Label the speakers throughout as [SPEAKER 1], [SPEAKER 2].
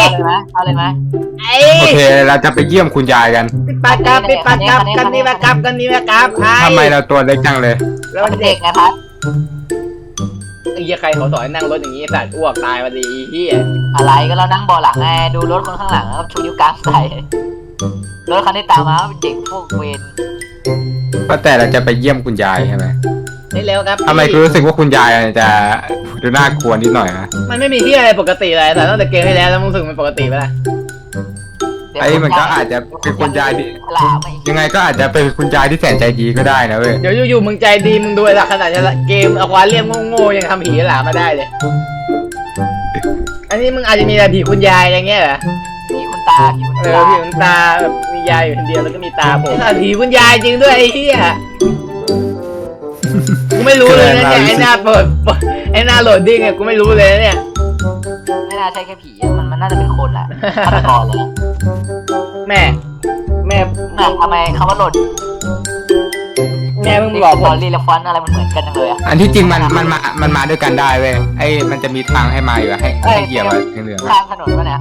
[SPEAKER 1] เอาเลยไหม
[SPEAKER 2] ไอ้
[SPEAKER 3] โอเคเราจะไปเยี่ยมคุณยายกัน
[SPEAKER 2] ปิดปากกับกันนี่มากับ
[SPEAKER 3] ทำไมเราตัวเล็กจังเลย
[SPEAKER 2] แล้ว
[SPEAKER 1] เป็น
[SPEAKER 2] เด็
[SPEAKER 1] เด็
[SPEAKER 2] ก
[SPEAKER 1] กไงพัด
[SPEAKER 2] ไอ้เหี้ยใครเขาสอนนั่งรถอย่างนี้สัตว์อ้วกตายมาดีเหี้ย
[SPEAKER 1] อะไรก็เรานั่งเบาะหลังไงดูรถคนข้างหลังแล้วชูนิ้วกลางใส่รถคันที่ตามมาเป็นเด็กพวกเวร
[SPEAKER 3] ก็แต่เราจะไปเยี่ยมคุณยายใช่ไหม
[SPEAKER 2] นี่เร็วครับ
[SPEAKER 3] ทำไมกูรู้สึกว่าคุณยายจะดูน่ากลัวนิดหน่อยนะ
[SPEAKER 2] มันไม่มีที่อะไรปกติเลยแต่ตั้งแต่เกมที่แล้วมึงรู้สึกมันปกติไปละ
[SPEAKER 3] ไอ้มันก็อาจจะเป็นคุณยายที่
[SPEAKER 1] หลาไม่
[SPEAKER 3] ยังไงก็อาจจะเป็นคุณยายที่แสนใจดีก็ได้นะเว้ย
[SPEAKER 2] เดี๋ยวอยู่ๆมึงใจดีมึงดูละขนาดเกมอควาเรียมโง่ๆยังทำผีหลามาได้เลย อันนี้มึงอาจจะมีอะไรผีคุณยายอย่างเงี้ยเหรอ
[SPEAKER 1] ผีคุณตาผีคุณ
[SPEAKER 2] เอ
[SPEAKER 1] ตา
[SPEAKER 2] อผีคุณตาแบบมียายอยู่คนเดียวแล้วก็มีตาผมผีคุณยายจริงด้วยไอ้เหี้ยกูไม่รู้เลยนะเนี่ยไอ้หน้าไอ้หน้าโหลดดิ้งเนี่ยกูไม่รู้เลยนะเนี่ย
[SPEAKER 1] ไม่น่าใช่แค่ผีมันน่าจะเป็นคนแหละฆาตกรเลย
[SPEAKER 2] แม่
[SPEAKER 1] น่ะทำไมคำว่าหล่น
[SPEAKER 2] แม่มึงบอก
[SPEAKER 1] ต
[SPEAKER 2] ผ
[SPEAKER 1] อน
[SPEAKER 2] ม
[SPEAKER 1] รีและฟอนต์อะไรมันเหมือนกันจังเลยอะ
[SPEAKER 3] อันที่จริงมันมาด้วยกันได้เว้ยไอ้มันจะมีทางให้มาอยู่ให้เหยียบอะไรเหลือง
[SPEAKER 1] ข้างถนนปะเนี่ย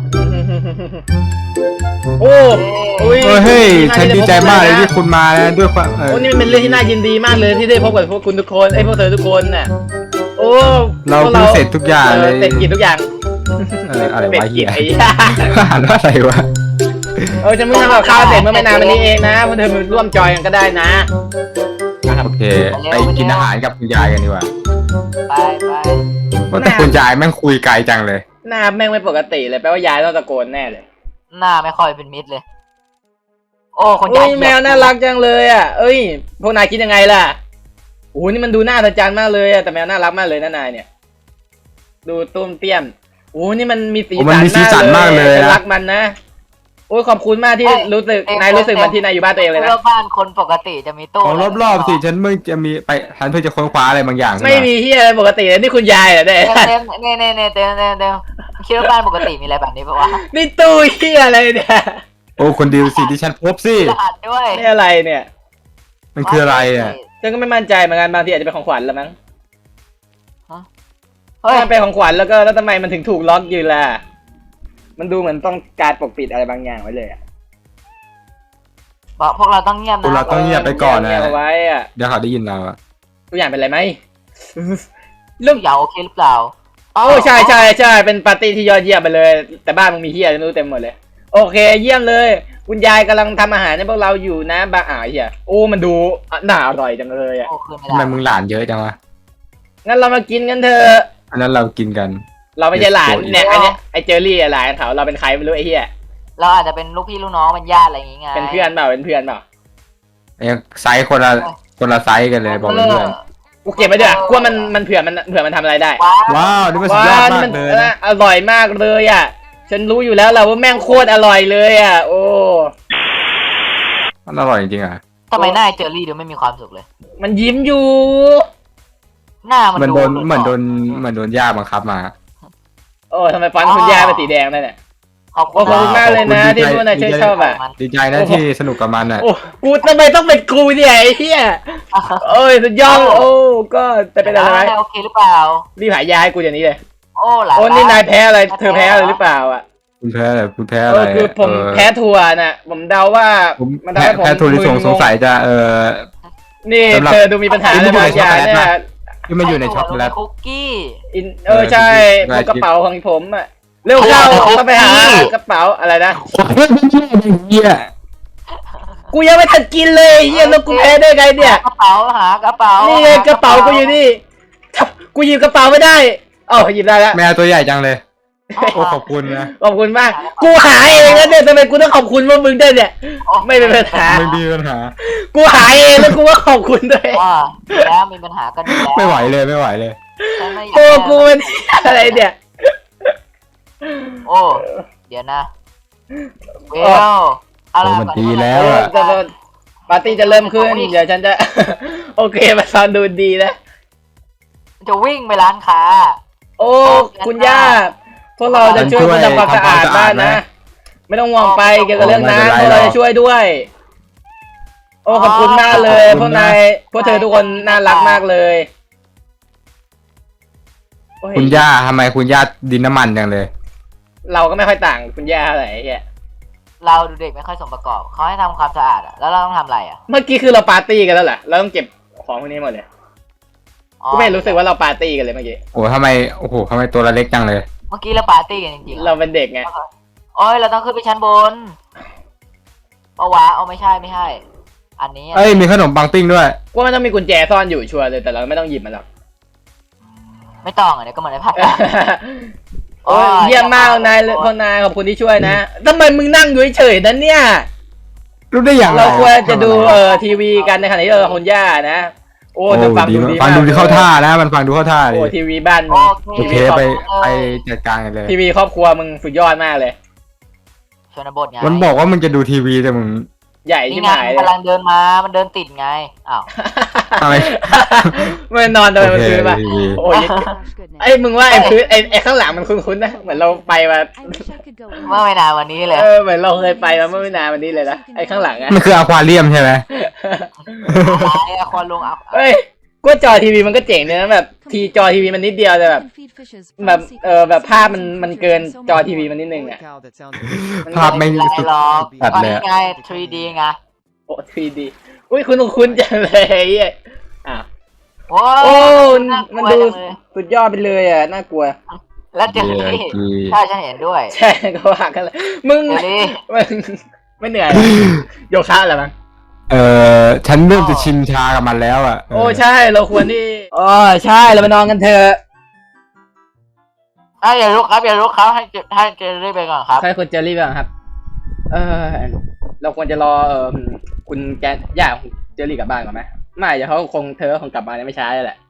[SPEAKER 2] โอ้ย
[SPEAKER 3] เฮ้ยฉันดีใจมากเลยที่คุณมาแล้วด้วยความ
[SPEAKER 2] โอ้นี่มันเป็นเรื่องที่น่ายินดีมากเลยที่ได้พบกับพวกคุณทุกคนไอ้พวกเธอทุกคนน่ะโอ้
[SPEAKER 3] เราเพิ่งเสร็จทุกอย่างเลย
[SPEAKER 2] เสร็จกิจทุกอย่าง
[SPEAKER 3] อะไร
[SPEAKER 2] เสร็จ
[SPEAKER 3] วะ
[SPEAKER 2] กิ
[SPEAKER 3] เหี้
[SPEAKER 2] จ
[SPEAKER 3] ย
[SPEAKER 2] ไอ้
[SPEAKER 3] อ่านว่าอะไรวะ
[SPEAKER 2] ฉันเพิ่งทำกับข้าวเสร็จเมื่อไม่นานมานี้เองนะพวกเธอมาร่วมจอยกันก็ได้นะ
[SPEAKER 3] โอเคไปกินอาหารกับคุณยายกันดีกว่า
[SPEAKER 1] ไป
[SPEAKER 3] ว่าแต่คุณยายแม่งคุยไกลจังเลย
[SPEAKER 2] หน้าแม่งไม่ปกติเลยแปลว่ายายต้องตะโกนแน่เลย
[SPEAKER 1] หน้าไม่ค่อยเป็นมิตรเลยโอ้คน
[SPEAKER 2] โอ้
[SPEAKER 1] ยาย
[SPEAKER 2] ยแมวน่ารักจังเลยอ่ะเอ้ยพวกนายคิดยังไงล่ะโอ้นี่มันดูน่าอัศจรรย์มากเลยอ่ะแต่แมวน่ารักมากเลยนะนายเนี่ยดูตุ้มเตี้ยมโอ้นี่มันมีสีสันมากเลยรักมันนะโอ้ยขอบคุณมากที่รู้สึกนายรู้สึกมันที่นายอยู่บ้านตัวเองเลยนะ
[SPEAKER 1] เพื่อบ้านคนปกติจะมีตู้
[SPEAKER 3] ของรอบๆสิฉันเพิ่งจะมีไปฉันเพิ่งจะค้นคว้าอะไรบางอย่าง
[SPEAKER 2] ไม่มีที่อะไรปกติเลยนี่คุณยายเหรอเนี่ย
[SPEAKER 1] เต็มคิดว่าบ้านปกติมีอะไรแบบนี้ปะวะ
[SPEAKER 2] นี่ตู้ที่อะไรเนี่ย
[SPEAKER 3] โอ้คนดีสิที่ฉันพบสิ
[SPEAKER 1] รหัสด้วย
[SPEAKER 2] นี่อะไรเนี่ย
[SPEAKER 3] มันคืออะไรอ่ะ
[SPEAKER 2] ฉันก็ไม่มั่นใจเหมือนกันบางทีอาจจะเป็นของขวัญละมั้ง
[SPEAKER 1] เฮ้ย
[SPEAKER 2] ถ้าเป็นของขวัญแล้วทำไมมันถึงถูกล็อกอยู่ล่ะมันดูเหมือนต้องการปกปิดอะไรบางอย่างไว้เลยอะ
[SPEAKER 1] บอกพวกเราต้องเงียบ
[SPEAKER 3] พวกเรา
[SPEAKER 1] นะ
[SPEAKER 3] ต้องเงียบไปก่อนนะ
[SPEAKER 2] เงียบเอาไว้อะ
[SPEAKER 3] เดี๋ยวเขาได้ยินเราอ่ะ
[SPEAKER 2] ตัวอย่างเป็นไรไหม
[SPEAKER 1] ลูกเหยาโอเคหรือเปล่า
[SPEAKER 2] โอ้ใช่เป็นปาร์ตี้ที่ยอดเยี่ยมไปเลย แต่บ้านมึงมีเฮียไม่รู้เต็มหมดเลยโอเคเยี่ยมเลยคุณยายกำลังทำอาหารให้พวกเราอยู่นะบ้าเฮียโอ้มันดูน่าอร่อยจังเลยอ่ะ
[SPEAKER 1] โอ้คืนไม่
[SPEAKER 3] ทำไม
[SPEAKER 1] ได้
[SPEAKER 3] มึงหลานเยอะจังวะ
[SPEAKER 2] งั้นเรามากินกันเถอะ
[SPEAKER 3] อันนั้นเรากินกัน
[SPEAKER 2] เราไม่ใช่หลานเนี่ยอันเนี้ยไอเจอรี่หลานเขาเราเป็นใครไม่รู้ไอเฮีย
[SPEAKER 1] เราอาจจะเป็นลูกพี่ลูกน้องเป็นญาติอะไรอย่างงี้ไง
[SPEAKER 2] เป็นเพื่อนเปล่า
[SPEAKER 3] ไซส์คนละไซส์กันเลยบอกเพื่อน
[SPEAKER 2] กูเก็บไว้ด้วยกลัวมันเผื่อมันทำอะไรได้
[SPEAKER 3] ว้าวนี่มันสุดยอดมากเลยนะ
[SPEAKER 2] อร่อยมากเลยอ่ะฉันรู้อยู่แล้วแหละว่าแม่งโคตรอร่อยเลยอ่ะโอ้
[SPEAKER 3] มันอร่อยจริงๆอ่ะ
[SPEAKER 1] ทำไมหน้าเจอรี่ดูไม่มีความสุขเลย
[SPEAKER 2] มันยิ้มอยู่
[SPEAKER 1] หน้ามัน
[SPEAKER 3] เหมือน
[SPEAKER 1] ดู
[SPEAKER 3] โดนย่าบังคับมา
[SPEAKER 2] โอ้ทำไมฟันคุณยายเป็นสีแดงนั่นเนี่ย
[SPEAKER 1] ขอบ
[SPEAKER 2] ขอบ
[SPEAKER 1] คุ
[SPEAKER 2] คุณ
[SPEAKER 1] ณ
[SPEAKER 2] มากเลยนะที่พวกนายช่วยชอบอ่ะ
[SPEAKER 3] ดีใจนะที่สนุกกับมันอ่ะ
[SPEAKER 2] โอ้กูทำไมต้องเป็นกูเนี่ยไอ้เหี้ยโอ้ยสุดยอดโอ้ก็จะเป็นอะไรไหม
[SPEAKER 1] โอเคหรือเปล่า
[SPEAKER 2] รีบหายาให้กูอย่างนี้เลย
[SPEAKER 1] โอ้หลาย
[SPEAKER 2] โอ้นี่นายแพ้อะไรเธอแพ้อะไรหรือเปล่าอ่ะ
[SPEAKER 3] คุณแพ้อะไร
[SPEAKER 2] คือผมแพ้ถั่วน่ะผมเดาว่า
[SPEAKER 3] ผม
[SPEAKER 2] มันทำให้ผม
[SPEAKER 3] แพ้ถั่วลิสงสงสัยจะ
[SPEAKER 2] นี่เธอดูมีปัญหาอะไรบางอย่างเนี่ย
[SPEAKER 3] ที่มาอยู่ในช็อกโกแลต
[SPEAKER 1] คุกกี้
[SPEAKER 2] ใช่พวกกระเป๋าของผมอ่ะเร็วเข้าต้องไปหากระเป๋าอะไรนะ
[SPEAKER 3] เหี้ย
[SPEAKER 2] กูยังไม่ทันกินเลยเฮียแล้วกูแพ้ได้ไงเนี่ย
[SPEAKER 1] กระเป๋าหากระเป๋า
[SPEAKER 2] นี่ไงกระเป๋ากูอยู่นี่กูหยิบกระเป๋าไม่ได้เอ้าหยิบได้แล้ว
[SPEAKER 3] แมวตัวใหญ่จังเลยโอ้ขอบคุณนะ
[SPEAKER 2] ขอบคุณมากกูหาเองแล้วเนี่ยทำไมกูต้องขอบคุณว่ามึงได้เนี่ยไม่เป็นปัญหา
[SPEAKER 3] ไม่มีปัญหา
[SPEAKER 2] กูหาเองแล้วกูก็ขอบคุณด้วย
[SPEAKER 1] ว่าแล้วมีปัญหากันอยู่แล้ว
[SPEAKER 3] ไม่ไหวเลย
[SPEAKER 2] โอ้กูเป็นอะไรเนี่ย
[SPEAKER 1] โอ้เดี๋ยวนะเวลอะไร
[SPEAKER 3] มันดีแล้วอ่ะ
[SPEAKER 2] ปาร์ตี้จะเริ่มขึ้นเดี๋ยวฉันจะโอเคมาฟังดูดีนะ
[SPEAKER 1] จะวิ่งไปร้านค้า
[SPEAKER 2] โอ้คุณย่าพวกเราจะช่วยคุณทำความสะอาดบ้านนะไม่ต้องห่วงไปเกี่ยวกับเรื่องน้ำพวกเราจะช่วยด้วย โอ้ขอบคุณมากเลยพวกนายพวกเธอทุกคนน่ารักมากเลย
[SPEAKER 3] คุณย่าทำไมคุณย่าดินน้ำมันจังเลย
[SPEAKER 2] เราก็ไม่ค่อยต่างคุณย่าเท่าไหร่ไอ้เหี้ย
[SPEAKER 1] เราดูเด็กไม่ค่อยสมประกอบเขาให้ทำความสะอาดอะแล้วเราต้องทำอะไรอะ
[SPEAKER 2] เมื่อกี้คือเราปาร์ตี้กันแล้วเหรอเราต้องเก็บของพวกนี้หมดเลย
[SPEAKER 1] อ๋อ
[SPEAKER 2] กูไม่รู้สึกว่าเราปาร์ตี้กันเลยเมื่อกี้
[SPEAKER 3] โอ้ทำไมโอ้โหทำไมตัวเราเล็กจังเลย
[SPEAKER 1] เมื่อกี้เราปาร์ตี้กันจริงๆ
[SPEAKER 2] เราเป็นเด็กไง
[SPEAKER 1] โอ้ยเราต้องขึ้นไปชั้นบนเอาวะเอาไม่ใช่ไม่ใช่ อันนี้อะ
[SPEAKER 3] เอ้ยมีขนมปังปิ้งด้วย
[SPEAKER 2] ว่ามันต้องมีกุญแจซ่อนอยู่ชัวร์เลยแต่เราไม่ต้องหยิบมันหรอก
[SPEAKER 1] ไม่ต้องอ่ะเดี๋ยวก็เหมือนในภาพ
[SPEAKER 2] โอ้ยเยี่ยมมากนายพวกนายขอบคุณที่ช่วยนะทำไมมึงนั่งอยู่เฉยๆนั่นเนี่ย
[SPEAKER 3] รู้ได้อย่างไร
[SPEAKER 2] เราควรจะดูทีวีกันในขณะที่เราคุณย่านะ โอ้
[SPEAKER 3] โอ้
[SPEAKER 2] แต่ฟัง
[SPEAKER 3] ดี
[SPEAKER 2] ดู
[SPEAKER 3] มาก
[SPEAKER 2] ดี
[SPEAKER 3] ฟัง
[SPEAKER 2] มาก
[SPEAKER 3] ดูที่เข้าท่านะมันฟังดูเข้าท่าเล
[SPEAKER 2] โอ้
[SPEAKER 3] ย
[SPEAKER 2] ทีวีบ้านมึ
[SPEAKER 1] โอง
[SPEAKER 3] โอเคไปจัดการกันเลย
[SPEAKER 2] ทีวีครอบครัวมึงสุดยอดมากเลย
[SPEAKER 1] ชนบทไง
[SPEAKER 3] มันบอกว่ามึงจะดูทีวีแต่มึง
[SPEAKER 2] ใหญ่
[SPEAKER 1] นี่
[SPEAKER 2] ที่
[SPEAKER 1] ไง
[SPEAKER 2] หาย
[SPEAKER 1] มัน
[SPEAKER 2] เลย
[SPEAKER 1] กำลังเดินมา มันเดินติดไง อ้าว
[SPEAKER 3] อะไร
[SPEAKER 2] มันนอนโดย
[SPEAKER 3] โอ
[SPEAKER 2] มัน
[SPEAKER 3] เค
[SPEAKER 2] พื้นป่ะ
[SPEAKER 3] ทีวี
[SPEAKER 2] โอ้ยไอ้มึงว่าไอ้พื้นไอ้ข้างหลังมันคุ้นๆนะเหมือนเราไปมา
[SPEAKER 1] เมื่อไม่นานวันนี้เลย
[SPEAKER 2] เหมือนเราเคยไปมาเมื่อไม่นานวันนี้เลยนะไอ้ข้างหลังอะ
[SPEAKER 3] มันคืออควาเรียมใช่ไหม
[SPEAKER 1] ไอ้คนลงเอา
[SPEAKER 2] เฮ้ยกูว่าจอทีวีมันก็เจ๋งเลยนะแบบทีจอทีวีมันนิดเดียวแต่แบบแบบภาพมันเกินจอทีวีมันนิดนึงอะ
[SPEAKER 3] ภาพไม่
[SPEAKER 1] ไม่เป็นไรหรอก
[SPEAKER 3] ตัด
[SPEAKER 1] ตอน
[SPEAKER 3] เลย
[SPEAKER 1] นี้
[SPEAKER 3] อะ
[SPEAKER 1] ไง 3D ไง
[SPEAKER 2] โอ้ 3D อุ้ยคุ้นจังเลยไอ้เหี้ยอ้าว
[SPEAKER 1] โอ้
[SPEAKER 2] โอ้
[SPEAKER 1] น่ากลัว
[SPEAKER 2] มันดู
[SPEAKER 1] จังเลย
[SPEAKER 2] สุดยอดไปเลยอ่ะน่ากลัว
[SPEAKER 1] แล้วเจอรี่ใช่ฉันเห็นด้วย
[SPEAKER 2] ใช่ก็ว่ากันเลยมึง
[SPEAKER 1] เจอรี่
[SPEAKER 2] มึงไม่เหนื่อยเหรอโยคะเหรอมั้ง
[SPEAKER 3] ฉันเริ่มจะชินชากับมันแล้วอ่ะ
[SPEAKER 2] โอ้ใช่เราควรที่อ๋อใช่เราไปนอนกันเถอะ
[SPEAKER 1] อย่าลุกครับอย่าลุกครับให้เจอรี่ไปก่อนครับ
[SPEAKER 2] ใช่คุณเจอรี่บ้างครับ เราควรจะรอคุณแกย่าของเจอรี่กลับบ้านก่อนไหมไม่เดี๋ยวเขาเธอคงกลับมาไม่ช้าเลยแหละ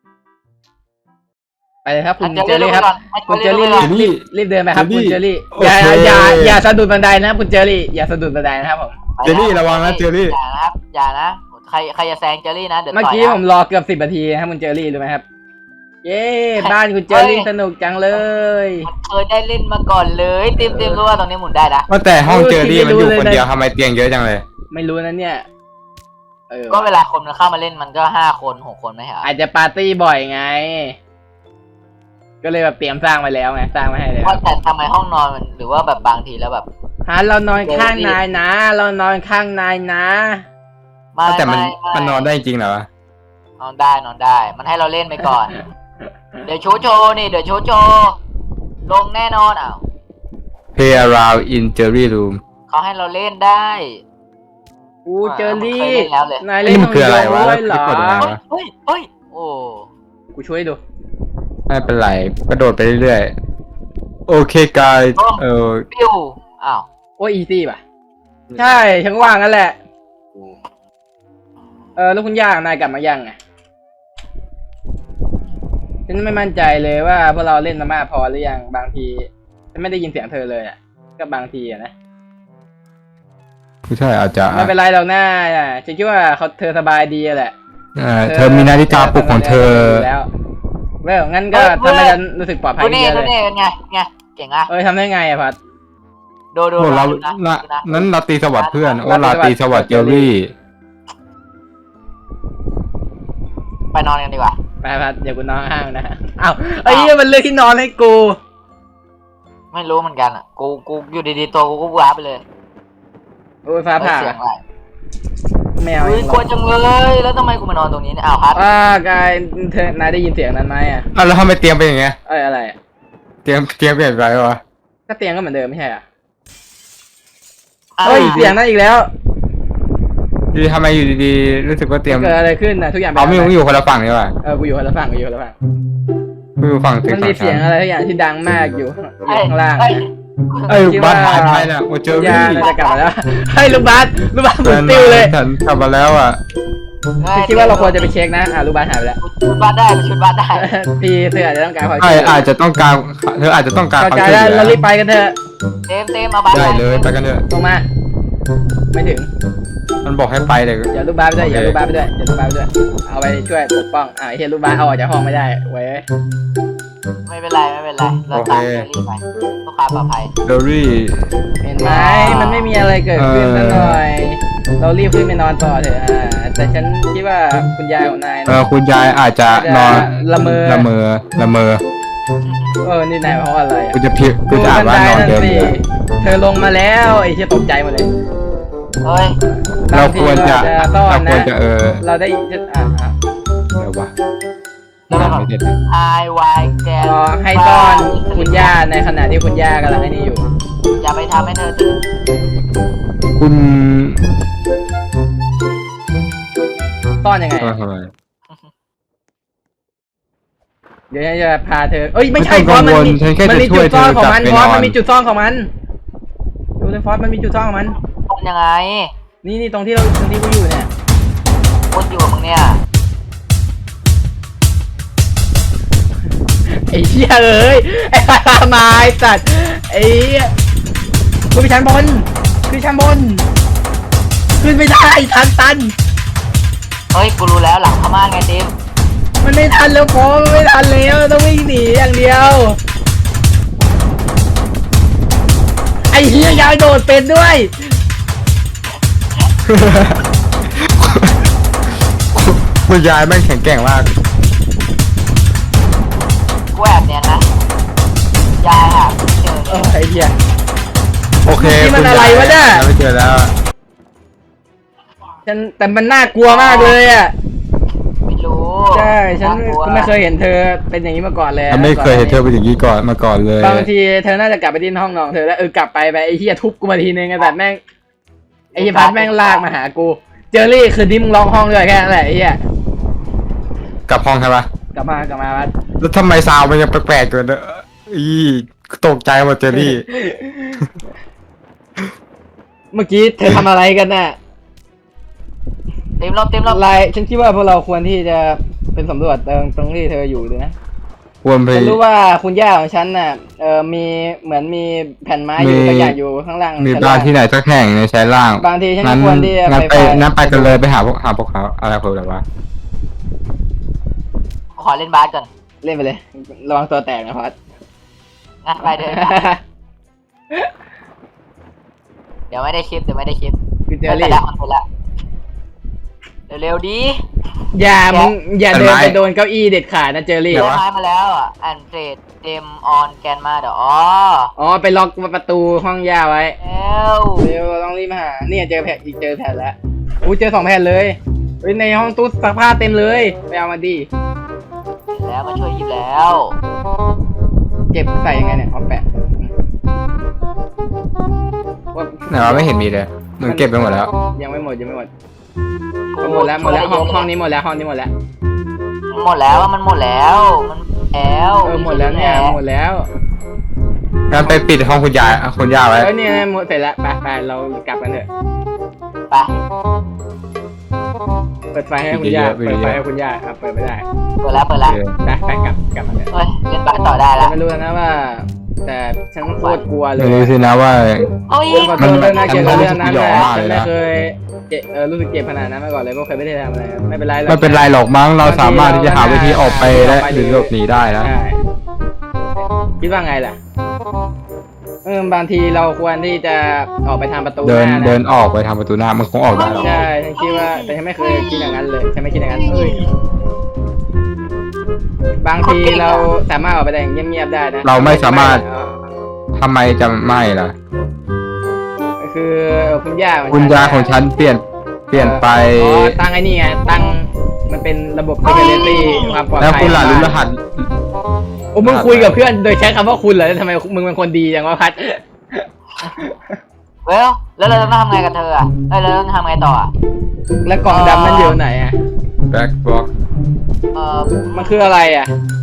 [SPEAKER 2] ไปเลยครับคุณเจอรี่ครับคุณเจอรี่รีบเดินไปครับคุณเจอรี่อย่าสะดุดบันไดนะคุณเจอรี่อย่าสะดุดบันไดนะครับผม
[SPEAKER 3] เจอรี่ระวังนะเจอรี่
[SPEAKER 1] อย่านะครับอย่านะใครจะแซงเจอรี่นะเดี๋ยว
[SPEAKER 2] เมื่อ
[SPEAKER 1] ต่อย
[SPEAKER 2] กี้
[SPEAKER 1] นะ
[SPEAKER 2] ผมรอเกือบ10 นาทีนะครับคุณเจอรี่รู้ไหมครับ เย้บ้านคุณเจอรี่สนุกจังเลย
[SPEAKER 1] เคยได้เล่นมาก่อนเลยเต็มรู้ว่าตรงนี้หมุนได้นะ
[SPEAKER 3] ว่าแต่ห้องเจอรี่มันอยู่คนเดียวทำไมเตียงเยอะจังเลย
[SPEAKER 2] ไม่รู้นะเนี่ย
[SPEAKER 1] ก็เวลาคนมันเข้ามาเล่นมันก็5 คน6 คนไม่ใช่เหรอ
[SPEAKER 2] อาจจะปาร์ตี้บ่อยไง ก็เลยแบบเตรียมสร้างไว้แล้วไงสร้างไว้ให้เลย
[SPEAKER 1] ว่าแต่ทำไมห้องนอนมันหรือว่าแบบบางทีแล้วแบบ
[SPEAKER 2] เรานอนข้างนายนะ เรานอนข้างนายนะ
[SPEAKER 3] แต่มันนอนได้จริงเหรอ
[SPEAKER 1] นอนได้ มันให้เราเล่นไปก่อน เดี๋ยวโชว์นี่เดี๋ยวโชว์ลงแน่นอนอ้าว
[SPEAKER 3] Play around in Jerry room
[SPEAKER 1] เขาให้เราเล่นได้
[SPEAKER 2] กูเจอรี่
[SPEAKER 1] เคยเล่นแล้วเลย
[SPEAKER 2] นายเล่น
[SPEAKER 3] มันคืออะไรวะ
[SPEAKER 2] ด้วยเหรอ
[SPEAKER 3] แล้วกดยังไงวะ
[SPEAKER 1] เฮ้ยโอ้
[SPEAKER 2] กูช่วยดู
[SPEAKER 3] ไม่เป็นไรกระโดดไปเรื่อยๆโอเคกาย
[SPEAKER 1] ปิ้วอ้าว
[SPEAKER 2] โอ้อีซี่ป่ะ ใช่ฉันก็ว่างั้นแหละ แล้วคุณย่านายกลับมายังไงฉันไม่มั่นใจเลยว่าพวกเราเล่นมามากพอหรือยังบางทีฉันไม่ได้ยินเสียงเธอเลยอ่ะก็บางทีอ่ะนะ
[SPEAKER 3] ไม่ใช่อาจจะ
[SPEAKER 2] ไม่เป็นไรเราหน้าฉันคิดว่าเธอสบายดีแหละ
[SPEAKER 3] เธอมีนาฬิกาปลุกของเธอ
[SPEAKER 2] แล้วงั้นก็ทำให้ฉันรู้สึกปลอดภัย
[SPEAKER 1] ดู
[SPEAKER 2] ขึ้น
[SPEAKER 1] นี่
[SPEAKER 2] เยอะ
[SPEAKER 1] ดู
[SPEAKER 2] เลย
[SPEAKER 1] นี่เป็นไงเก่งอ่ะ
[SPEAKER 2] ทำได้ไงอะพัด
[SPEAKER 1] ดู
[SPEAKER 3] โอ้เรา
[SPEAKER 1] นะ
[SPEAKER 3] นั้นราตรีสวัสดิ์เพื่อนโอ้ราตรีสวัสดิ์เจอรี่
[SPEAKER 1] ไปนอนกันดีกว่า
[SPEAKER 2] ไปพัดเดี๋ยวกูนอนห้างนะอ้าวไอ้เนี่ยมันเลือกที่นอนให้กู
[SPEAKER 1] ไม่รู้เหมือนกันอ่ะกูอยู่ดีๆตัวกูก็ว้าไปเลย
[SPEAKER 2] โอ้ยฟ้าผ่า
[SPEAKER 1] เสียงอะไร
[SPEAKER 2] แมว
[SPEAKER 1] อุ้ยกลัวจังเลยแล้วทำไมกูมานอนตรงนี้เนี่ยอ้าวพัด
[SPEAKER 2] กายเธอนายได้ยินเสียงนั้นไหมอ่ะ
[SPEAKER 3] แล้วทำไมเตียงเป็นอย่างเงี้ย
[SPEAKER 2] อะไรอ่ะ
[SPEAKER 3] เตียงเปลี่ยนไปวะ
[SPEAKER 2] ก็เตียงก็เหมือนเดิมไม่ใช่อ่ะเฮ้ยเสียงนั้นอีกแล้ว
[SPEAKER 3] ดีทำไมอยู่ดีๆรู้สึกว่าเตียง
[SPEAKER 2] เกิดอะไรขึ้นนะทุกอย่าง
[SPEAKER 3] เอาไม่อยู่คนละฝั่งนี่ว่ะ
[SPEAKER 2] กูอยู่คนละฝั่งกูอยู่คนละฝั่ง
[SPEAKER 3] กูอยู่ฝั่งเตียง
[SPEAKER 2] มันมีเสียงอะไรทุกอย่างที่ดังมากอยู่ข้างล่าง
[SPEAKER 3] บ้านหายไปเนี่ยโอเจอรี่
[SPEAKER 2] ยาน่าจะกลับมาแล้วให้ลูกบาสหมุนติ้วเลย
[SPEAKER 3] ฉันกลับมาแล้วอ่ะ
[SPEAKER 2] คิดว่าเราควรจะไปเช็คนะลูกบาสหายไปแล้ว
[SPEAKER 1] ชุดบ้านได้ชุดบ้านได้
[SPEAKER 2] พี่เธออาจจะต้องการความ
[SPEAKER 3] ใช่อาจจะต้องการเธออาจจะต้องการความ
[SPEAKER 2] เข้าใจ
[SPEAKER 3] ช่วย
[SPEAKER 2] แล้ว
[SPEAKER 3] เหลื
[SPEAKER 2] เรา
[SPEAKER 3] อ
[SPEAKER 2] รีบไปกันเถอะ
[SPEAKER 1] เต็มเอาบ้าน
[SPEAKER 3] ได้เลยไปกันเถอะ
[SPEAKER 2] ลงมา ไม่ถึง
[SPEAKER 3] มันบอกให้ไปเลย
[SPEAKER 2] อย่าลูกบาสไปด้วยอย่าลูกบาสไปด้วยอย่าลูกบาสไปด้วยเอาไปช่วยปกป้องเฮียลูกบาสเอาออกจากห้องไม่ได้ไว้
[SPEAKER 1] ไม่เป็นไรเราตามเจอรี่ไปเพื่อความปลอดภัย
[SPEAKER 3] เดอรี่
[SPEAKER 2] เห็นไหมมันไม่มีอะไรเกิดขึ้นสักหน่อย เรารีบขึ้นไปนอนต่อเถอะแต่ฉันคิดว่าคุณยายของนายนะ
[SPEAKER 3] คุณยายอาจจะนอน
[SPEAKER 2] ละเมอ
[SPEAKER 3] ละเมอ
[SPEAKER 2] นี่นายเพราะอะไรอ่ะ
[SPEAKER 3] กูจะอ่านว่านอนเดิน
[SPEAKER 2] สิ
[SPEAKER 3] เรือ
[SPEAKER 2] เธอลงมาแล้วไอ้ที่ตกใจหมดเลย
[SPEAKER 1] เฮ้ย
[SPEAKER 3] เราควรจะ
[SPEAKER 2] ต้อน
[SPEAKER 3] เราควร
[SPEAKER 2] นะ
[SPEAKER 3] จะ
[SPEAKER 2] เราได้อ่ะ
[SPEAKER 3] เดี๋ยววะ
[SPEAKER 1] แล้วแบบ
[SPEAKER 3] ไม่เสร็จ
[SPEAKER 1] I Y แก
[SPEAKER 2] ให้ต้อนคุณย่าในขณะที่คุณย่ากำลังไอ้นี่อยู่
[SPEAKER 1] อย่าไปทำให้เธอตื่น
[SPEAKER 3] คุณ
[SPEAKER 2] ต้อนยังไง
[SPEAKER 3] ทำไม
[SPEAKER 2] เดี๋ยวฉันจะพาเธอ เอ้ยไม่ใช่
[SPEAKER 3] ไม่
[SPEAKER 2] ฟ
[SPEAKER 3] ต้
[SPEAKER 2] อ
[SPEAKER 3] อ
[SPEAKER 2] ส
[SPEAKER 3] ง
[SPEAKER 2] มัน
[SPEAKER 3] กังวล
[SPEAKER 2] มี
[SPEAKER 3] ฉันแค่
[SPEAKER 2] มัน
[SPEAKER 3] จะ
[SPEAKER 2] มี
[SPEAKER 3] ช่
[SPEAKER 2] จุ
[SPEAKER 3] วย
[SPEAKER 2] ดซ่อนของมัน
[SPEAKER 3] เธอก
[SPEAKER 2] ฟอ
[SPEAKER 3] ลั
[SPEAKER 2] ส
[SPEAKER 3] บไปนอน
[SPEAKER 2] มันมีจุดซ่อนของมันดูเลยฟอสมันมีจุดซ่อนของมัน
[SPEAKER 1] คนยังไง
[SPEAKER 2] นี่ตรงที่กูอยู่เนี่ย
[SPEAKER 1] คนอยู่กับมึงเนี่ย
[SPEAKER 2] ไอ้เหี้ยเอ้ยไอ้ไม้สัตว์ไอ้กูไปชั้นบนขึ้นชั้นบนขึ้นไม่ได้ทันตัน
[SPEAKER 1] เฮ้ยกูรู้แล้วหลังพม่าไงดิม
[SPEAKER 2] มันไม่ทันแล้วพอมันไม่ทันแล้วต้องวิ่งหนีอย่างเดียวไอ้เหี้ยยายโดดเป็นด้วย
[SPEAKER 3] คุณยายแม่งแข็งแกร่งมาก
[SPEAKER 1] กูแอบเนียนนะยายหาเจอ
[SPEAKER 2] ไอ้เหี้ย
[SPEAKER 3] โอเค
[SPEAKER 2] นี่มัน
[SPEAKER 3] คุณ
[SPEAKER 2] อะไรวะเนี่ย
[SPEAKER 3] ไม่เจอแล้ว
[SPEAKER 2] แต่มันน่ากลัวมากเลยอ่ะ
[SPEAKER 1] ไม่รู้
[SPEAKER 2] ใช่ฉัน
[SPEAKER 1] ากลัว
[SPEAKER 2] ก็ไม่เคยเห็นเธอเป็นอย่างนี้มาก่อนเลย
[SPEAKER 3] ฉันไม่เคยเห็นเธอเป็นอย่างนี้ก่อนมาก่อนเลย
[SPEAKER 2] บางทีเธอน่าจะกลับไปที่ห้องนอนเธอแล้วกลับไปไอ้เหี้ยทุบกูมาทีนึงไอ้แบบแม่งไอ้เหี้ยพัดแม่งลากมาหากูเจอรี่คืนนี้มึงร้องห้องด้วยแค่นั้นแหละไอ้เหี้ย
[SPEAKER 3] กลับห้องใช่ปะ
[SPEAKER 2] กลับมาพัด
[SPEAKER 3] แล้วทำไมซาวมันยังแปลกๆอยู่เนอะตกใจหมดเจอรี่
[SPEAKER 2] เมื่อกี้เธอทำอะไรกันน่ะ
[SPEAKER 1] เต็มรอบเต็มรอบ
[SPEAKER 2] ฉันคิดว่าพวกเราควรที่จะเป็นสำรวจตรงที่เธออยู่เลยนะ
[SPEAKER 3] ควรไป
[SPEAKER 2] ฉันรู้ว่าคุณย่าของฉันน่ะมีเหมือนมีแผ่นไม้อยู่สักอย่างอยู่ข้างล่าง
[SPEAKER 3] มี
[SPEAKER 2] ชั้น
[SPEAKER 3] บ้า
[SPEAKER 2] ล่าน ง
[SPEAKER 3] ที่ไหนสักแห่งในชั้นล่าง
[SPEAKER 2] บางทีฉัน
[SPEAKER 3] งั้น
[SPEAKER 2] ควรที่จะ
[SPEAKER 3] งั้น
[SPEAKER 2] ไป
[SPEAKER 3] งั้นไปกันเลยไปหาพวกเขาอะไรพวกแบบว่า
[SPEAKER 1] ขอเล่นบาสก่อน
[SPEAKER 2] เล่นไปเลยระวังตัวแตกนะพัด
[SPEAKER 1] งั้นไปเดินเดี๋ยวไม่ได้คลิป
[SPEAKER 2] คือเจอ
[SPEAKER 1] แต่
[SPEAKER 2] รี่
[SPEAKER 1] ละคนละเร็วๆดี
[SPEAKER 2] อย่าเดินไปโดนเก้าอี้เด็ดขาดนะเจอรี่
[SPEAKER 1] เดี๋ยวไม้มาแล้วอ่ะอันเฟรดเดมออนแกนมาเดี๋ยวอ๋อ
[SPEAKER 2] ไปล็อกประตูห้องย่าไว้
[SPEAKER 1] แล้ว
[SPEAKER 2] เร็วต้องรีบมาหาเนี่ยเจอแผ่นแล้วอู้เจอ2 แผ่นเลยเฮ้ยในห้องตู้ซักผ้าเต็มเลยไปเอามาดิ
[SPEAKER 1] แล้วมาช่วยหยิบแล้ว
[SPEAKER 2] เก็บใส่ยังไงเนี่ยเอาแปะว่า
[SPEAKER 3] ไหนวะไม่เห็นมีเลยมึงเก็บไปหมดแล้ว
[SPEAKER 2] ยังไม่หมดหมดแล้วห้องนี้หมดแล้ว
[SPEAKER 1] หมดแล้วมันหมดแล้ว
[SPEAKER 2] หมดแล้วเนี่ยหมดแล้ว
[SPEAKER 3] งั้นไปปิดห้องคุณย่าไว้
[SPEAKER 2] เนี่ยหมดเสร็จแล้วไปเรากลับกันเถอะ
[SPEAKER 1] ไป
[SPEAKER 2] เปิดไฟให้คุณย่าเปิดไม่ได้
[SPEAKER 1] เปิดแล้ว
[SPEAKER 2] ไปกลับมาเถอะ
[SPEAKER 1] เฮ้ยเล่นบาสต่อได้แล้ว
[SPEAKER 2] ไม่รู้นะว่า แต่ฉันโคตรกลัวเลย
[SPEAKER 3] ไม่รู้สินะว่า
[SPEAKER 1] โอ้ย
[SPEAKER 2] มันน่าเกลียดเรื่องนั้น
[SPEAKER 3] มัน
[SPEAKER 2] นะ
[SPEAKER 3] มากเลย
[SPEAKER 2] ไม่
[SPEAKER 3] นะ
[SPEAKER 2] เคยรู้สึกเจ็บขนาดนั้นมาก่อนเลยเพราะเคยไม่ได้ทำอะไรไม่เป็นไร
[SPEAKER 3] ไม่เป็นไรหรอกมั้งเราสามารถที่จะหาวิธีออกไปและหรือหลบหนีได้นะ
[SPEAKER 2] ใช่คิดว่าไงล่ะบางทีเราควรที่จะออกไปทางประตูห
[SPEAKER 3] เดิน
[SPEAKER 2] น้านะ
[SPEAKER 3] เดินออกไปทางประตูหน้ามันคงออกได้หรอก
[SPEAKER 2] ใช่ฉันคิดว่าแต่ฉันไม่เคยคิดอย่างนั้นเลยฉันไม่คิดอย่างนั้นบางทีเราสามารถออกไปได้อย่างเงียบๆได้นะ
[SPEAKER 3] เราไม่สามารถทำไมจะไม่ล่ะ
[SPEAKER 2] คือคุณย่า
[SPEAKER 3] คุณยาของฉันเปลี่ยนไป
[SPEAKER 2] ตั้งไอ้นี่ไงตั้งมันเป็นระบบ security ความปลอดภัย
[SPEAKER 3] แล้วคุณหล่ะรู้รหัส
[SPEAKER 2] โอ้มึงคุยกับเพื่อนโดยใช้คำว่าคุณเหรอทำไมมึงเป็นคนดีจังวะพัด
[SPEAKER 1] แล้วเราต้องทำไงกับเธออ่ะเราต้องทำไงต่ออ่ะ
[SPEAKER 2] แล้วกล่องดำนั่นอยู่ไหนอ่ะ
[SPEAKER 3] back box
[SPEAKER 2] มันคืออะไรอ่ะ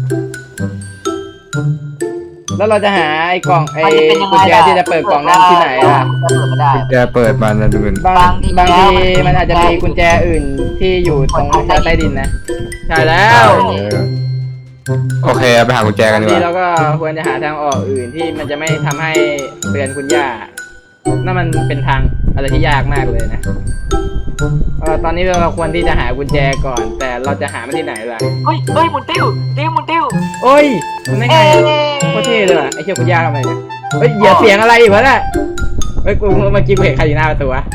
[SPEAKER 2] แล้วเราจะหาไอ้กล่องไอ้กุญแจที่จะเปิดกล่องนั้นที่ไหนอ่ะ
[SPEAKER 1] เปิดไม่ได้
[SPEAKER 3] แกเปิดมานะดูเหมือน
[SPEAKER 2] บางทีมันอาจจะมีกุญแจอื่นที่อยู่ตรงชั้นใต้ดินนะใช่แล้ว
[SPEAKER 3] โอเคไปหากุญแจกันดีก
[SPEAKER 2] ที
[SPEAKER 3] ว่า
[SPEAKER 2] เราก็ควรจะหาทางออกอื่นที่มันจะไม่ทำให้เตือนคุณย่านั่นมันเป็นทางอะไรที่ยากมากเลยนะตอนนี้เราควรที่จะหากุญแจก่อน แต่เราจะหามันที่ไหนล่ะ
[SPEAKER 1] เฮ้ยหมุนติ้วติ้ว
[SPEAKER 2] โอ้ยมันได้ไงโคตรเท่เลยว่ะไอ้เชี่ยคุณย่าทำไมเนี่ยเฮ้ยอย่าเสียงอะไรอีกวะน่ะเฮ้ยกูเมื่อกี้กูเห็นใครอยู่หน้าประตูวะ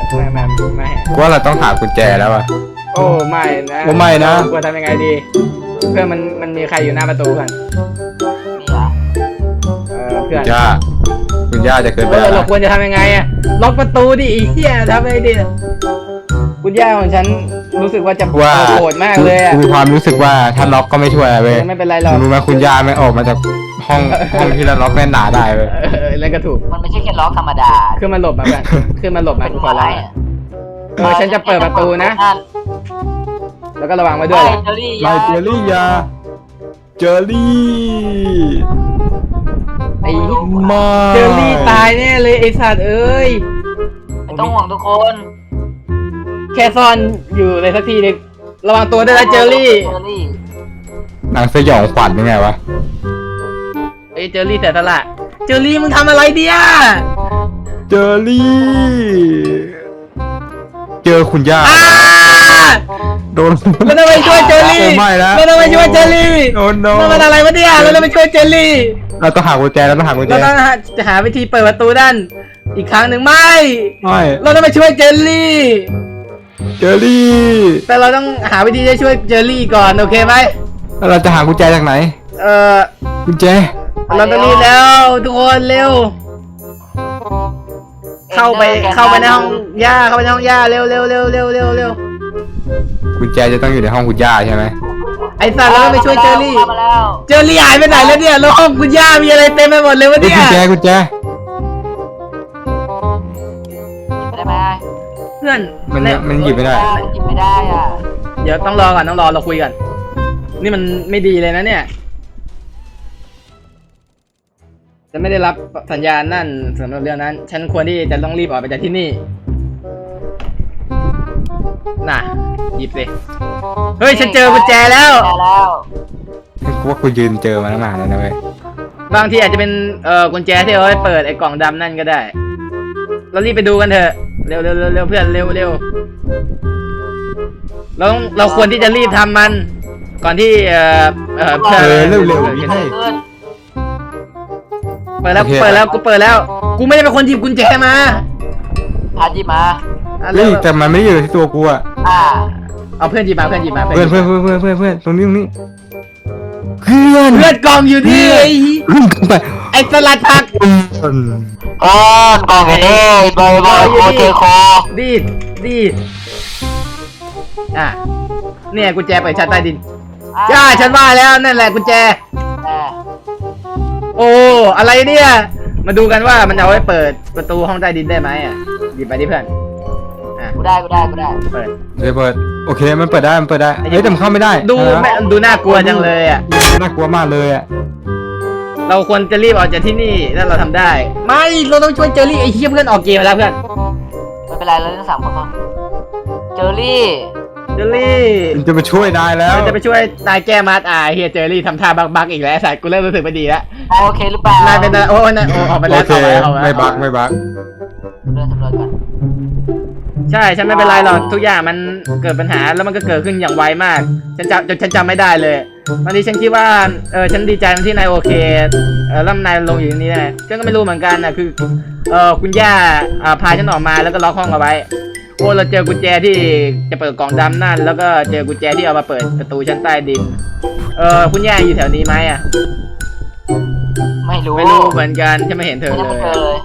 [SPEAKER 2] ไม่
[SPEAKER 3] ว่าเราต้องหากุญแจแล้วอ่ะ
[SPEAKER 2] โอ้ไม่นะ
[SPEAKER 3] โอ้ไม่นะ
[SPEAKER 2] ควรทำยังไงดีเพื่อนมันมีใครอยู่หน้าประตูกัน
[SPEAKER 1] มีเหรอ
[SPEAKER 2] เพื่อน
[SPEAKER 3] ย่าคุณย่าจะเกินไปแล้ว
[SPEAKER 2] เรา
[SPEAKER 3] นะ
[SPEAKER 2] ควรจะทำยังไงอะล็อกประตูดิไอ้เหี้ยทำไงดิคุณย่าของฉันรู้สึกว่าจะโกรธมากเลยอะ
[SPEAKER 3] มีความรู้สึกว่าถ้าล็อกก็ไม่ช่วยอะไรเว้ย
[SPEAKER 2] ไม่เป็นไรหรอก
[SPEAKER 3] รู้ไหมคุณย่าไม่ออกมาจากห้องที่เราล็อกแน่นหนาได้เว้ย
[SPEAKER 2] แล้วก็ถูก
[SPEAKER 1] มันไม่ใช่แค่ล็อกธรรมดา
[SPEAKER 2] ขึ้นมาหลบมาเพื่อนขึ้นมาหลบมา
[SPEAKER 1] เป็น
[SPEAKER 2] ขอ
[SPEAKER 1] ไม้
[SPEAKER 2] ร้องฉันจะเปิดประตูนะ แล้วก็ระวังไว้ด้วย
[SPEAKER 1] ไม่เจอรี่
[SPEAKER 3] ไลเจอรี่ยาเจอรี่
[SPEAKER 2] ไอ้
[SPEAKER 3] ไม่
[SPEAKER 2] เจอรี่ตายแน่เลยไอ้สัตว์เอ้ย
[SPEAKER 1] ไม่ต้องห่วงทุกคน
[SPEAKER 2] แค่ซ่อนอยู่ในสักทีนึงระวังตัวด้วยนะเจอรี่
[SPEAKER 1] เจอรี่
[SPEAKER 3] หนังสยองขวัญยังไงวะ
[SPEAKER 2] ไอ้เจอรี่แต่ตละเจอรี่มึงทำอะไรเดีย
[SPEAKER 3] เจอรี่ เจอคุณย่า
[SPEAKER 2] อ้า
[SPEAKER 3] โดน
[SPEAKER 2] แล้วทำไมช่วยเจอรี่
[SPEAKER 3] โอ้ไม่แล้ว
[SPEAKER 2] แล้วทำไมช่วยเจอรี่
[SPEAKER 3] โอ้โน
[SPEAKER 2] มันอะไรวะเนี่ยแล้วทำไมช่วยเจอรี่
[SPEAKER 3] เราต้องหากุญแจเราต้องหากุญแจ
[SPEAKER 2] เราต้องหาวิธีเปิดประตูด้านอีกครั้งหนึ่งไม่
[SPEAKER 3] ไม่
[SPEAKER 2] เราต้องไปช่วยเจอรี่
[SPEAKER 3] เจอรี่
[SPEAKER 2] แต่เราต้องหาวิธีจะช่วยเจอรี่ก่อนโอเคไหม
[SPEAKER 3] แล้วเราจะหากุญแจจากไหน
[SPEAKER 2] เออ
[SPEAKER 3] กุญแจ
[SPEAKER 2] เราต้องรีบแล้วทุกคนเร็ว เข้าไปในห้องย่าเข้าไปในห้องย่าเร็ว
[SPEAKER 3] กุญแจจะต้องอยู่ในห้องคุณย่าใช่ไหม
[SPEAKER 2] ไอ้สัตว์เราต้องไปช่วยเจอรี่
[SPEAKER 1] เข้ามาแล้ว
[SPEAKER 2] เจอรี่หายไปไหนแล้วเนี่ยแล้วห้องคุณย่ามีอะไรเต็มไปหมดเลยวะ
[SPEAKER 3] เฮ้ย
[SPEAKER 2] เนี่ย
[SPEAKER 3] กุญแจ
[SPEAKER 1] ได้ไหม
[SPEAKER 2] เพื่อน
[SPEAKER 3] มันหยิบไม่ได้
[SPEAKER 1] หยิบไม่ได้อ่ะ
[SPEAKER 2] เดี๋ยวต้องรอก่อนต้องรอเราคุยกันนี่มันไม่ดีเลยนะเนี่ยฉันไม่ได้รับสัญญาณนั่นสำหรับเรื่องนั้น ฉันควรที่จะต้องรีบออกไปจากที่นี่น่ะหยิบสิเฮ้ยฉันเจอกุญแจแล้ว
[SPEAKER 1] เจอแล้ว
[SPEAKER 3] กูว่ากูยืนเจอมาตั้งนานแล้วนะเว้ย
[SPEAKER 2] บางทีอาจจะเป็นกุญแจที่เอาไว้เปิดไอ้กล่องดำนั่นก็ได้ เรารีบไปดูกันเถอะเร็วเพื่อนเร็วเราควรที่จะรีบทำมัน ก่อนที่เพื่อน
[SPEAKER 3] เร็ว
[SPEAKER 1] เกิดอะไรขึ้น
[SPEAKER 2] เปิดแล้ว
[SPEAKER 3] โอเค
[SPEAKER 2] กูเปิดแล้วกูไม่ได้เป็นคนหยิบกุญแจมา
[SPEAKER 1] พาหยิบมา
[SPEAKER 2] อ่ะ
[SPEAKER 3] เฮ้
[SPEAKER 2] เร็
[SPEAKER 3] ยว แต่มันไม่ได้อยู่ที่ตัวกูอะ
[SPEAKER 2] เอาเพื่อนหยิบมาเพื่อนหยิบมา
[SPEAKER 3] เพื่อนตรงนี้เพื่อน
[SPEAKER 2] กล่องอยู่ที่
[SPEAKER 3] เพื่อนขึ้นไป
[SPEAKER 2] ไอ้สลัดผัก
[SPEAKER 1] ก้อนกองไอ้นี่บอยโคเทโค
[SPEAKER 2] ดีดอ่ะเนี่ยกุญแจเปิดชั้นใต้ดินจ้าฉันว่าแล้วนั่นแหละกุญแจ โอ้อะไรเนี่ย มาดูกันว่ามันเอาไว้เปิดประตูห้องใต้ดินได้ไหมอ่ะหยิบไปดิเพื่อนอ่ะ
[SPEAKER 1] กูได้
[SPEAKER 2] เปิด
[SPEAKER 3] เดี๋ยวเปิดโอเคมันเปิดได้เฮ้ยแต่มันเข้าไม่ได้
[SPEAKER 2] ดูน่ากลัวจังเลยอ่ะ
[SPEAKER 3] น่ากลัวมากเลยอะ
[SPEAKER 2] เราควรจะรีบออกจากที่นี่ถ้าเราทำได้ ไม่เราต้องช่วยเจอรี่ไอ้เหี้ยเพื่อนออกเกมไปแล้วเพื่อน
[SPEAKER 1] ไม่เป็นไรเราทั้ง3 คนพอเจอรี่
[SPEAKER 2] เจอรี่
[SPEAKER 3] มันจะมาช่วยได้แล้ว
[SPEAKER 2] มันจะไปช่วยนายแก้มัดเฮียเจอรี่ทำท่าบักอีกแล้วไอ้สัตว์กูเริ่มรู้สึกไม่ดีแล้ว
[SPEAKER 1] โอเคหรือเปล่าน
[SPEAKER 2] ายเป็นโอ้นายออกไป
[SPEAKER 3] โอ
[SPEAKER 2] แล้ว
[SPEAKER 3] เค
[SPEAKER 2] เอาไป
[SPEAKER 3] ไม่บัก
[SPEAKER 1] เดินสำรวจก่อน
[SPEAKER 2] ใช่ฉันไม่เป็นไรหรอกทุกอย่างมันเกิดปัญหาแล้วมันก็เกิดขึ้นอย่างไวมากฉันจำไม่ได้เลยบางทีฉันคิดว่าฉันดีใจที่นายโอเคแล้วนายลงอยู่ที่นี่นะฉันก็ไม่รู้เหมือนกันนะคือคุณย่าพาฉันออกมาแล้วก็ล็อกห้องเอาไว้โอ้เราเจอกุญแจที่จะเปิดกล่องดำนั่นแล้วก็เจอกุญแจที่เอามาเปิดประตูชั้นใต้ดินคุณย่าอยู่แถวนี้ไหมอ่ะ
[SPEAKER 1] ไม่รู้
[SPEAKER 2] ไม่รู้เหมือนกันฉันไม่เห็นเธอ
[SPEAKER 1] ไม่
[SPEAKER 2] เล
[SPEAKER 1] เจ
[SPEAKER 2] ย
[SPEAKER 1] อเลย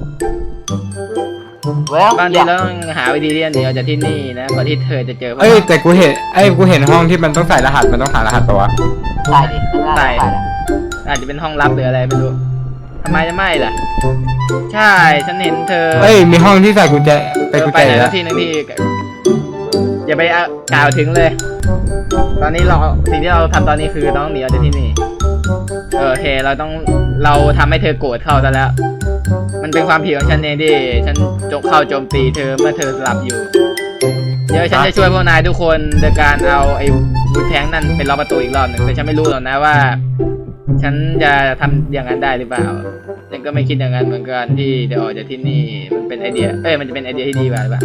[SPEAKER 1] เว้ย
[SPEAKER 2] บางทีเราต้องหาวิธีที่จะหนีออกจากที่นี่นะก่อนที่เธอจะเจอ
[SPEAKER 3] เอ้ยแต่กูเห็นห้องที่มันต้องใส่รหัสมันต้องหารหัสปะวะ
[SPEAKER 1] ใส่ดิใส่
[SPEAKER 2] อาจจะเป็นห้องลับหรืออะไรไม่รู้ทำไมจะไม่ล่ะ ใช่ฉันเห็นเธอ
[SPEAKER 3] เอ้ยมีห้องที่ใส่กุญแจไปกุญ
[SPEAKER 2] ไป
[SPEAKER 3] แจ
[SPEAKER 2] ไหน
[SPEAKER 3] แล้
[SPEAKER 2] แล้ว วที่หนึงที่อย่าไปกล่าวถึงเลย ตอนนี้สิ่งที่เราทำตอนนี้คือต้องหนีออกจากที่นี่โอเคเราทำให้เธอโกรธเข้าซะแล้ว มันเป็นความผิดของฉันเองที่ฉันเข้าโจมตีเธอเมื่อเธอหลับอยู่ เดี๋ยวฉันจะช่วยพวกนายทุกคนโดยการเอาไอ้วุ้นแทงนั่นเป็นล็อกประตูอีกรอบหนึ่งแต่ฉันไม่รู้หรอกนะว่า ฉันจะทำอย่างนั้นได้หรือเปล่าฉันก็ไม่คิดอย่างนั้นเหมือนกันที่เดี๋ยวออกจากที่นี่มันเป็นไอเดียมันจะเป็นไอเดียที่ดีกว่าหรือเปล่า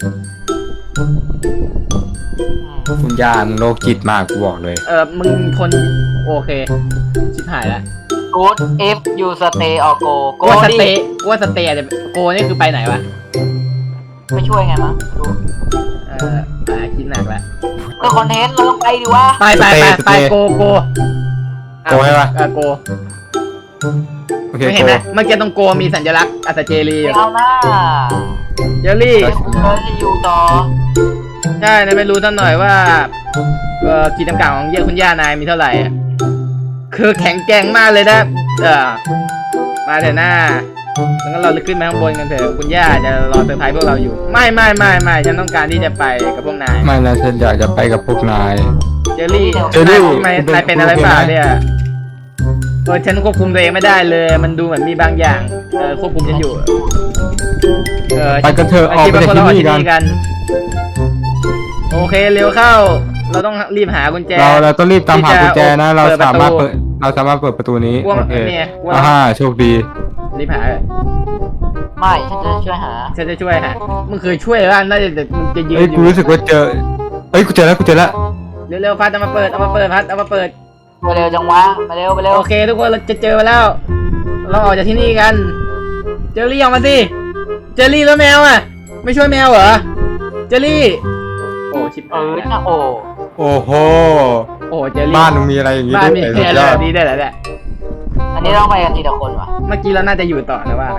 [SPEAKER 3] คุณย่ามึงโรคจิตมากกูบอกเลย
[SPEAKER 2] มึงทนโอเคชิบหายละ
[SPEAKER 1] กูด if you stay or go
[SPEAKER 2] กูว่าสเตย์อาจจะโกนี่คือไปไหนวะ
[SPEAKER 1] ไม่ช่วยไงมั้งดู
[SPEAKER 2] คิดหนักละ
[SPEAKER 1] เพื่อคอนเทนต์เราต้องไปดิวะ
[SPEAKER 2] ไปโก
[SPEAKER 3] โกใช่ปะ
[SPEAKER 2] โก
[SPEAKER 3] โอเค
[SPEAKER 2] ไม่เห็นไหมเมื่อกี้ตรงโกมีสัญลักษณ์อัศเจรีอยู่
[SPEAKER 1] เอาหน้า
[SPEAKER 2] เจลลี่
[SPEAKER 1] เราจะอยู่ต่อ
[SPEAKER 2] ใช่นายไม่รู้ตั้งหน่อยว่าขีดจำกัดของเยี่ยคุณย่านายมีเท่าไหร่อะคือแข็งแกร่งมากเลยนะมาเถอะหน้างั้นเราขึ้นไปข้างบนกันเถอะคุณย่าจะรอเซอร์ไพรส์พวกเราอยู่ไม่ฉันต้องการที่จะไปกับพวกนาย
[SPEAKER 3] ไม่นะฉันอยากจะไปกับพวกนาย
[SPEAKER 2] เจลลี่
[SPEAKER 3] เจลลี่
[SPEAKER 2] นายเป็นอะไรเปล่าเนี่ยฉันควบคุมตัวเองไม่ได้เลย มันดูเหมือนมีบางอย่างควบคุมฉันอยู่
[SPEAKER 3] ไปกันเถอะออกไปจากที่นี่กัน
[SPEAKER 2] โอเคเร็วเข้า เราต้องรีบหากุญแจ
[SPEAKER 3] เราต้องรีบตามหากุญแจนะ เรา
[SPEAKER 2] เปิดประตู
[SPEAKER 3] สามารถเปิดประตูนี้
[SPEAKER 2] ว่า
[SPEAKER 3] โอเค
[SPEAKER 2] เนี่ยว่า
[SPEAKER 3] โชคดี
[SPEAKER 2] รีบหา
[SPEAKER 1] ไม่ฉันจะช่วยหา
[SPEAKER 2] ฉันจะช่วยหามึงเคยช่วยว่าน่าจะมึงจะยืน
[SPEAKER 3] เอ้ย
[SPEAKER 2] อ
[SPEAKER 3] กู
[SPEAKER 2] ยู่
[SPEAKER 3] รู้สึกว่าเจอเอ้ยกูเจอแล้ว
[SPEAKER 2] เร็วๆพัดเอามาเปิดพัดเอามาเปิด
[SPEAKER 1] มาเร็วจังวะมาเร็วมาเร็ว
[SPEAKER 2] โอเคทุกคนเราจะเจอแล้ว เราออกจากที่นี่กัน เจอรี่ออกมาสิ เจอรี่แล้วแมวอ่ะ ไม่ช่วยแมวเหรอ เจอรี่ โอ้ชิบหาย
[SPEAKER 1] นะโอ้
[SPEAKER 3] โอ้โห
[SPEAKER 2] โอ้เจอรี่
[SPEAKER 3] บ้านมึงมีอะไรอย่างงี้
[SPEAKER 2] บ้าน
[SPEAKER 3] ด้วย
[SPEAKER 2] มี
[SPEAKER 3] สุด
[SPEAKER 2] อะไร
[SPEAKER 3] ยอ
[SPEAKER 2] แบ
[SPEAKER 3] ด
[SPEAKER 2] บนี้ได้แหละแหละ
[SPEAKER 1] อันนี้ต้องไปกันทีละคนวะ
[SPEAKER 2] เมื่อกี้เราน่าจะอยู่ต่อนะว่าไหม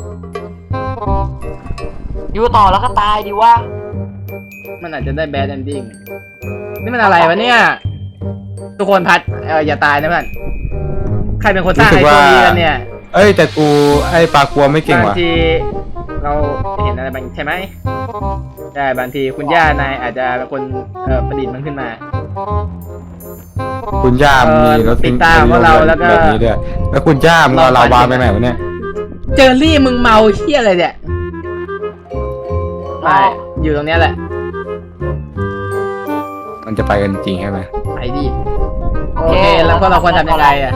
[SPEAKER 1] อยู่ต่อแล้วก็ตายดิวะ
[SPEAKER 2] มันอาจจะได้แบดเอนดิ้งนี่มันอะไรวะเนี่ย ทุกคนพัดอย่าตายนะเพื่อนใครเป็นคนสร้างไอ้ตัวนี้กันเนี่ย
[SPEAKER 3] เอ้ยแต่กูไอ้ปลากลัวไม่เก่ง
[SPEAKER 2] บาง
[SPEAKER 3] ว่ะ
[SPEAKER 2] ทีเราเห็นอะไรบางใช่ไหมใช่บางทีคุณย่านายอาจจะเป็นคนประดิษฐ์มันขึ้นมา
[SPEAKER 3] คุณย่ามีรถ
[SPEAKER 2] ปิดตาของเราแล้วก็
[SPEAKER 3] แบบนี้ด้วยแล้วคุณย่ามึงเอาลาวาไปไหนวะเนี่ย
[SPEAKER 2] เจอรี่มึงเมาเชี่ยอะไรเนี่ยไม่อยู่ตรงเนี้ยแหละ
[SPEAKER 3] มันจะไปกันจริงใช่ไหม
[SPEAKER 2] ไปดิโอเคแล้วพวกเราควรทำยังไงอ่ะ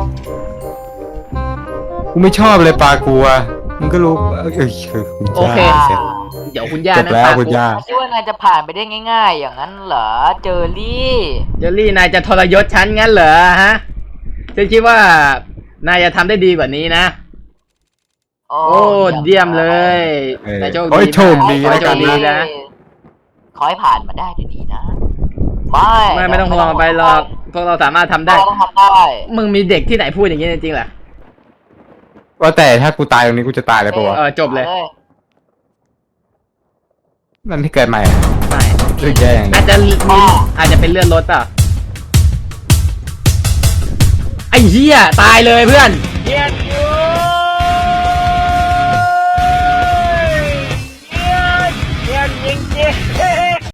[SPEAKER 3] กูไม่ชอบเลยปลากลัวมึงก็รู้คุณ
[SPEAKER 2] โอเค
[SPEAKER 3] ย่าเสร็จ
[SPEAKER 2] เดี๋ยวคุณย่า
[SPEAKER 3] จบแล้วคุณย่า
[SPEAKER 1] คิดว่านายจะผ่านไปได้ง่าย ๆ อย่างนั้นเหรอเจอรี่
[SPEAKER 2] เจอรี่นายจะทรยศฉันงั้นเหรอฮะฉันคิดว่านายจะทำได้ดีกว่านี้นะ โอ้เยี่ยมเลยนายโชค
[SPEAKER 3] โอ้ย
[SPEAKER 2] ดี
[SPEAKER 3] โชคดี
[SPEAKER 2] นา
[SPEAKER 3] แล้
[SPEAKER 2] ยว โช
[SPEAKER 3] กั
[SPEAKER 2] คน ดีนะ
[SPEAKER 1] ขอให้ผ่านมาได้ดีๆนะ
[SPEAKER 2] ไม่ต้องห่วงไปหรอกพวกเราสามารถทำได้
[SPEAKER 1] เราต้องทำได้
[SPEAKER 2] มึงมีเด็กที่ไหนพูดอย่างนี้จริงๆเหรอ
[SPEAKER 3] ว่าแต่ถ้ากูตายตรงนี้กูจะตายเลยปะวะ
[SPEAKER 2] จบเลย
[SPEAKER 3] นั่นที่เกิดใหม่อะ
[SPEAKER 2] ไม่
[SPEAKER 3] รู้สึกแย่อย่างนี้
[SPEAKER 2] อาจจะเป็นเลื่อนรถเปล่ะไอ้เหี้ยตายเลยเพื่อน